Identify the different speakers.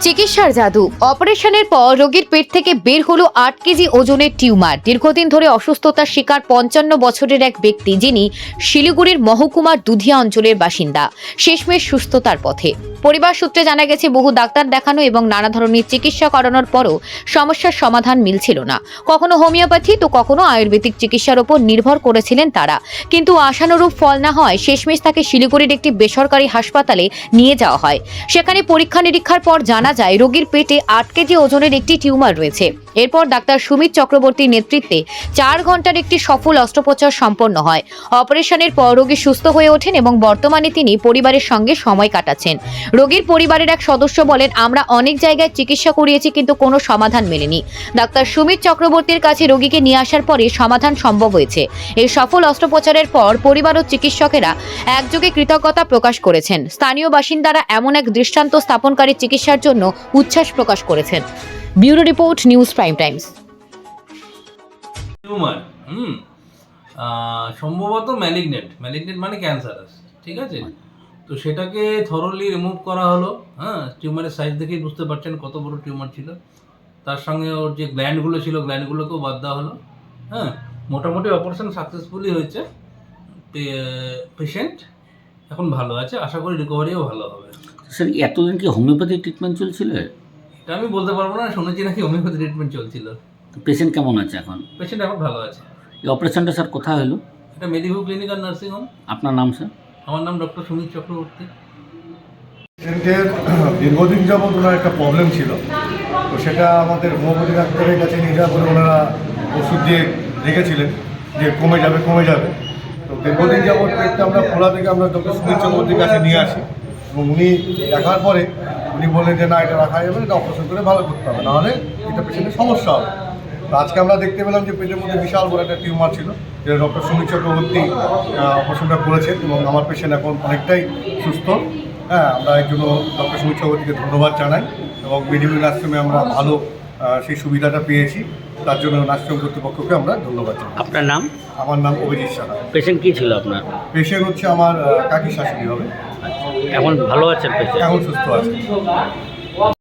Speaker 1: চিকিৎসার জাদু। অপারেশনের পর রোগীর পেট থেকে বের হলো 8 কেজি ওজনের টিউমার। দীর্ঘদিন ধরে অসুস্থতার শিকার 55 বছরের এক ব্যক্তি, যিনি শিলিগুড়ির মহকুমার দুধিয়া অঞ্চলের বাসিন্দা, শেষমেশ সুস্থতার পথে। পরিবার সূত্রে জানা গেছে, বহু ডাক্তার দেখানো এবং নানা ধরনের চিকিৎসা করানোর পরও সমস্যার সমাধান মিলছিল না। কখনো হোমিওপ্যাথি তো কখনো আয়ুর্বেদিক চিকিৎসার উপর নির্ভর করেছিলেন তারা, কিন্তু আশানুরূপ ফল না হয় শেষমেশ তাকে শিলিগুড়ির একটি বেসরকারি হাসপাতালে নিয়ে যাওয়া হয়। সেখানে পরীক্ষা নিরীক্ষার পর জানা যায় রোগীর পেটে 8 কেজি ওজনের একটি টিউমার রয়েছে। এরপর ডাক্তার সুমিত চক্রবর্তীর নেতৃত্বে 4 ঘন্টার একটি সফল অস্ত্রোপচার সম্পন্ন হয়। অপারেশনের পর রোগী সুস্থ হয়ে ওঠেন এবং বর্তমানে তিনি পরিবারের সঙ্গে সময় কাটাচ্ছেন। রোগীর পরিবারের এক সদস্য বলেন, আমরা অনেক জায়গায় চিকিৎসা করিয়েছি কিন্তু কোনো সমাধান মেলেনি। ডাক্তার সুমিত চক্রবর্তীর কাছে রোগীকে নিয়ে আসার পরে সমাধান সম্ভব হয়েছে। এই সফল অস্ত্রোপচারের পর পরিবার ও চিকিৎসকেরা একযোগে কৃতজ্ঞতা প্রকাশ করেছেন। স্থানীয় বাসিন্দারা এমন এক দৃষ্টান্ত স্থাপনকারী চিকিৎসার জন্য উচ্ছ্বাস প্রকাশ করেছেন। Bureau report, news prime times.
Speaker 2: Tumour সম্ভবত ম্যালিগনেন্ট মানে ক্যান্সারাস, ঠিক আছে। তো সেটাকে থরলি রিমুভ করা হলো। টিউমারের সাইজ দেখেই বুঝতে পারছেন কত বড় টিউমার ছিল। তার সঙ্গে ওর যে গ্ল্যান্ডগুলো ছিল, গ্ল্যান্ডগুলোকেও বাদ দেওয়া হলো। মোটামুটি অপারেশন সাকসেসফুলি হয়েছে। পেশেন্ট এখন ভালো আছে, আশা করি রিকভারিও ভালো হবে।
Speaker 3: স্যার, এতদিন কি হোমিওপ্যাথি ট্রিটমেন্ট চলছিল?
Speaker 2: এটা আমি বলতে পারবো না, শুনেছি নাকি হোমিওপ্যাথি ট্রিটমেন্ট চলছিল।
Speaker 3: পেশেন্ট কেমন আছে এখন?
Speaker 2: পেশেন্ট এখন ভালো আছে।
Speaker 3: এই অপারেশনটা স্যার কোথায় হলো?
Speaker 2: এটা মেদিভু ক্লিনিক আর নার্সিং হোম।
Speaker 3: আপনার নাম স্যার?
Speaker 2: আমার নাম ডক্টর সুমিত চক্রবর্তী।
Speaker 4: পেশেন্টের দীর্ঘদিন যাবৎ ওনার একটা প্রবলেম ছিল, তো সেটা আমাদের হোমিওপ্যাথি ডাক্তারের কাছে নিয়ে যাওয়ার পরে ওনারা ওষুধ দিয়ে রেখেছিলেন যে কমে যাবে। তো দীর্ঘদিন যাবৎ পেটটা আমরা খোলা থেকে আমরা ডক্টর সুমিত চক্রবর্তীর কাছে নিয়ে আসি এবং উনি দেখার পরে উনি বললেন যে না, এটা রাখা যাবে না, এটা অপারেশন করে ভালো করতে হবে, নাহলে এটা পেশেন্টের সমস্যা হবে। তো আজকে আমরা দেখতে পেলাম যে পেটের মধ্যে বিশাল বড় একটা টিউমার ছিল, যেটা ডক্টর সুমিত চক্রবর্তী অপারেশনটা করেছেন এবং আমার পেশেন্ট এখন অনেকটাই সুস্থ। আমরা এর জন্য ডক্টর সুমিত চক্রবর্তীকে ধন্যবাদ জানাই এবং মেডিকেল নার্সিংহোমে আমরা ভালো সেই সুবিধাটা পেয়েছি, তার জন্য নার্সিংহোম কর্তৃপক্ষকে আমরা ধন্যবাদ জানাই।
Speaker 3: আপনার নাম?
Speaker 4: আমার নাম অভিজিৎ সাহা।
Speaker 3: পেশেন্ট কি ছিল আপনার?
Speaker 4: পেশেন্ট হচ্ছে আমার কাকি শাশুড়ি হবে।
Speaker 3: এখন ভালো আছেন পেশেন্ট?
Speaker 4: এখন সুস্থ আছে।